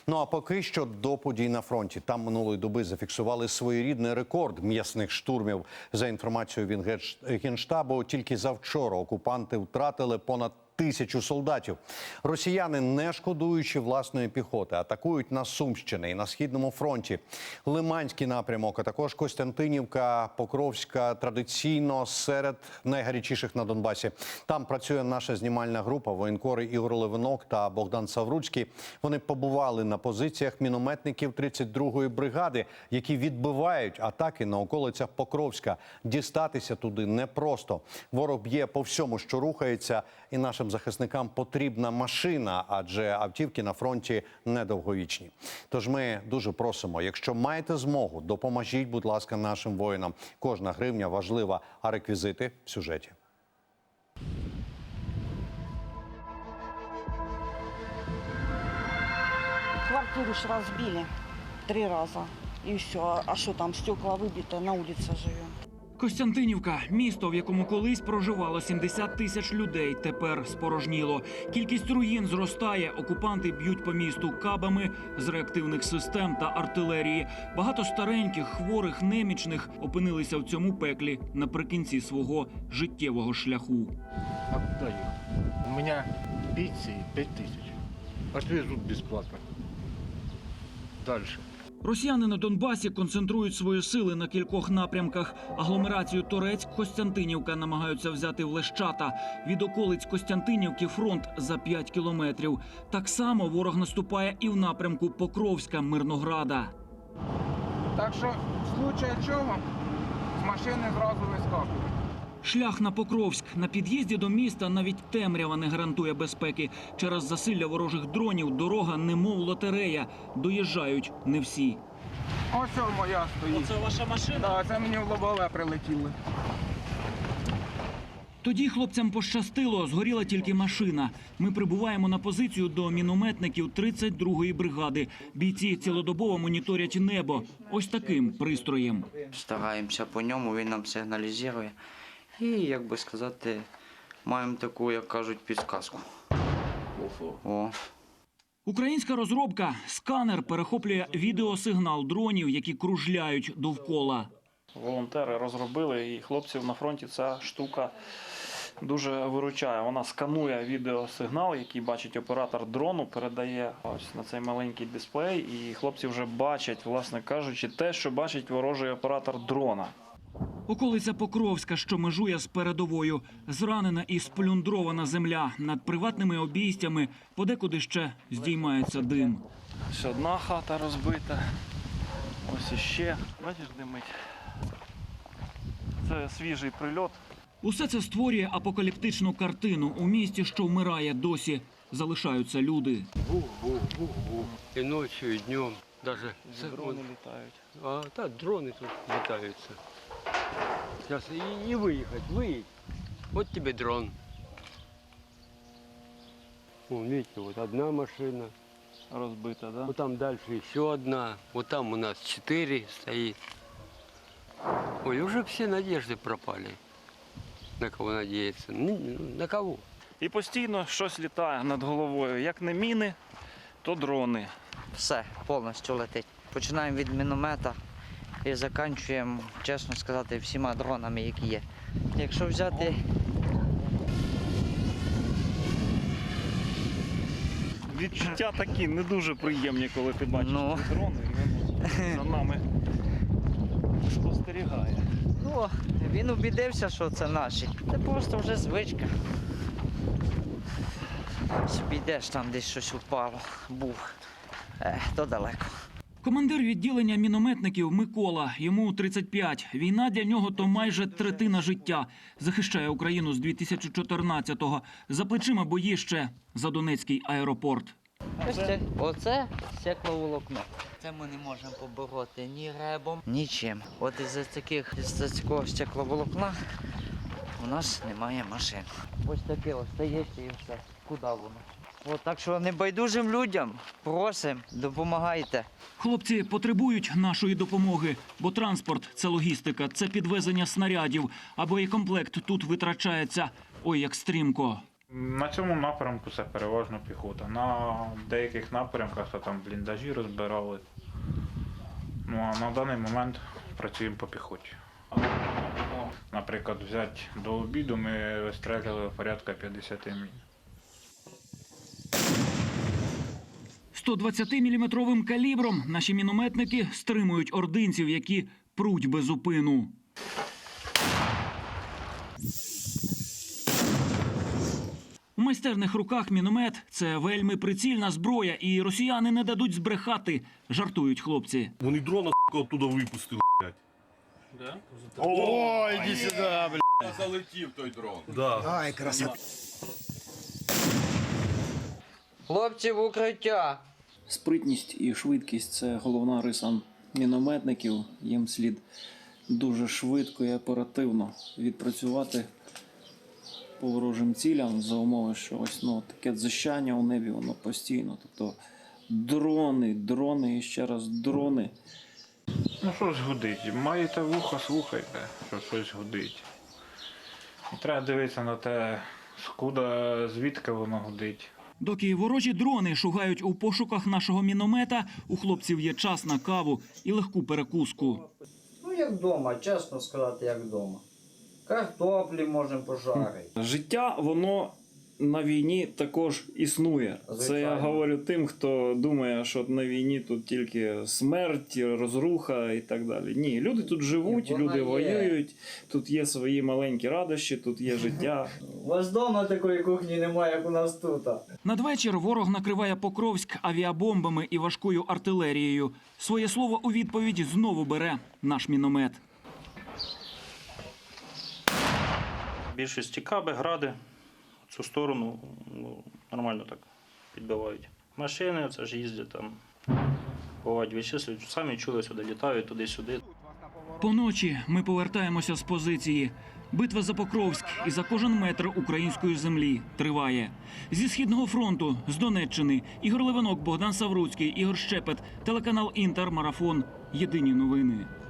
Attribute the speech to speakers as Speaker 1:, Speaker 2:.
Speaker 1: Ну а поки що до подій на фронті. Там минулої доби зафіксували своєрідний рекорд м'ясних штурмів. За інформацією Генштабу, тільки завчора окупанти втратили понад 1000 солдатів. Росіяни, не шкодуючи власної піхоти, атакують на Сумщині і на Східному фронті. Лиманський напрямок, а також Костянтинівка, Покровська традиційно серед найгарячіших на Донбасі. Там працює наша знімальна група, воєнкори Ігор Левинок та Богдан Савруцький. Вони побували на позиціях мінометників 32-ї бригади, які відбивають атаки на околицях Покровська. Дістатися туди непросто. Ворог б'є по всьому, що рухається, і нашим захисникам потрібна машина, адже автівки на фронті недовговічні. Тож ми дуже просимо, якщо маєте змогу, допоможіть, будь ласка, нашим воїнам. Кожна гривня важлива, а реквізити в сюжеті.
Speaker 2: Квартиру ж разбили 3 раза. И все. А что там, стекла выбиты, на улице живем.
Speaker 3: Костянтинівка – місто, в якому колись проживало 70 тисяч людей, тепер спорожніло. Кількість руїн зростає, окупанти б'ють по місту кабами з реактивних систем та артилерії. Багато стареньких, хворих, немічних опинилися в цьому пеклі наприкінці свого життєвого шляху.
Speaker 4: А куда ехать? У меня пенсии 5000. Отвезут бесплатно. Дальше.
Speaker 3: Росіяни на Донбасі концентрують свої сили на кількох напрямках. Агломерацію Торецьк-Костянтинівка намагаються взяти в Лещата. Від околиць Костянтинівки фронт за 5 кілометрів. Так само ворог наступає і в напрямку Покровська-Мирнограда.
Speaker 5: Так що, в случае чого, з машини зразу вискакують.
Speaker 3: Шлях на Покровськ. На під'їзді до міста навіть темрява не гарантує безпеки. Через засилля ворожих дронів дорога немов лотерея. Доїжджають не всі.
Speaker 5: Ось моя стоїть.
Speaker 3: Це ваша машина?
Speaker 5: Так, це мені в лобове прилетіли.
Speaker 3: Тоді хлопцям пощастило, згоріла тільки машина. Ми прибуваємо на позицію до мінометників 32-ї бригади. Бійці цілодобово моніторять небо. Ось таким пристроєм.
Speaker 6: Стараємося по ньому, він нам сигналізує. І, як би сказати, маємо таку, як кажуть, підказку. О.
Speaker 3: Українська розробка «Сканер» перехоплює відеосигнал дронів, які кружляють довкола.
Speaker 7: Волонтери розробили, і хлопців на фронті ця штука дуже виручає. Вона сканує відеосигнал, який бачить оператор дрону, передає ось на цей маленький дисплей, і хлопці вже бачать, власне кажучи, те, що бачить ворожий оператор дрона.
Speaker 3: Околиця Покровська, що межує з передовою. Зранена і сплюндрована земля. Над приватними обійстями подекуди ще здіймається дим.
Speaker 7: Ось одна хата розбита, ось іще. Бачиш, димить. Це свіжий прильот.
Speaker 3: Усе це створює апокаліптичну картину. У місті, що вмирає, досі залишаються люди.
Speaker 8: Бух-бух-бух-бух. І ночі, і днем. Даже
Speaker 7: Дрони літають.
Speaker 8: А, так, дрони тут літаються. Зараз і виїдь. От тебе дрон. Вон, видите, вот одна машина.
Speaker 7: Розбита, да?
Speaker 8: Вот там дальше еще одна. Вот там у нас 4 стоит. Ой, уже все надежды пропали. На кого надеяться? На кого?
Speaker 7: І постійно щось літає над головою. Як не міни, то дрони.
Speaker 6: Все, повністю летить. Починаємо від міномета і закінчуємо, чесно сказати, всіма дронами, які є. Якщо взяти...
Speaker 7: Відчуття такі не дуже приємні, коли ти бачиш ці дрони, і він за нами спостерігає.
Speaker 6: Ну, він убідився, що це наші. Це просто вже звичка. Собі йдеш, там десь щось упало, був, то далеко.
Speaker 3: Командир відділення мінометників Микола. Йому 35. Війна для нього – то майже третина життя. Захищає Україну з 2014-го. За плечима бої ще за Донецький аеропорт.
Speaker 6: Оце стекловолокно. Це ми не можемо побороти ні ребом, нічим. От із-за такого стекловолокна у нас немає машин. Ось таке остається і все. Куди воно? От, так що небайдужим людям просимо, допомагайте.
Speaker 3: Хлопці потребують нашої допомоги, бо транспорт – це логістика, це підвезення снарядів, а боєкомплект тут витрачається ой як стрімко.
Speaker 9: На цьому напрямку це переважно піхота. На деяких напрямках то там бліндажі розбирали. Ну а на даний момент працюємо по піхоті. Наприклад, взяти до обіду ми вистрелювали порядка 50 мін.
Speaker 3: 120-мм калібром наші мінометники стримують ординців, які пруть без упину. У майстерних руках міномет – це вельми прицільна зброя, і росіяни не дадуть збрехати, жартують хлопці.
Speaker 10: Вони дрона, оттуда випустили, блядь.
Speaker 7: Да?
Speaker 10: О, іди сюди, блядь. Залетів той дрон. Да.
Speaker 5: Ай, красота.
Speaker 6: Хлопці, в укриття!
Speaker 11: Спритність і швидкість – це головна риса мінометників. Їм слід дуже швидко і оперативно відпрацювати по ворожим цілям за умови, що ось таке дзищання у небі, воно постійно. Тобто дрони і ще раз дрони.
Speaker 9: Ну щось гудить. Маєте вухо, слухайте, що щось гудить. І треба дивитися на те, скуда, звідки воно гудить.
Speaker 3: Доки ворожі дрони шугають у пошуках нашого міномета, у хлопців є час на каву і легку перекуску.
Speaker 6: Ну, як вдома, чесно сказати, як вдома. Картоплі можемо пожарити.
Speaker 12: Життя, воно на війні також існує. Це я говорю тим, хто думає, що на війні тут тільки смерть, розруха і так далі. Ні, люди тут живуть, люди воюють, тут є свої маленькі радощі, тут є життя.
Speaker 6: У вас вдома такої кухні немає, як у нас тут.
Speaker 3: Надвечір ворог накриває Покровськ авіабомбами і важкою артилерією. Своє слово у відповідь знову бере наш міномет.
Speaker 7: Більшості каби, гради. В цю сторону нормально так підбивають. Машини, це ж їздять там, бувають вичислюють, самі чули сюди, літають туди-сюди.
Speaker 3: Поночі ми повертаємося з позиції. Битва за Покровськ і за кожен метр української землі триває. Зі Східного фронту, з Донеччини, Ігор Левинок, Богдан Савруцький, Ігор Щепет, телеканал «Інтер», Марафон. Єдині новини.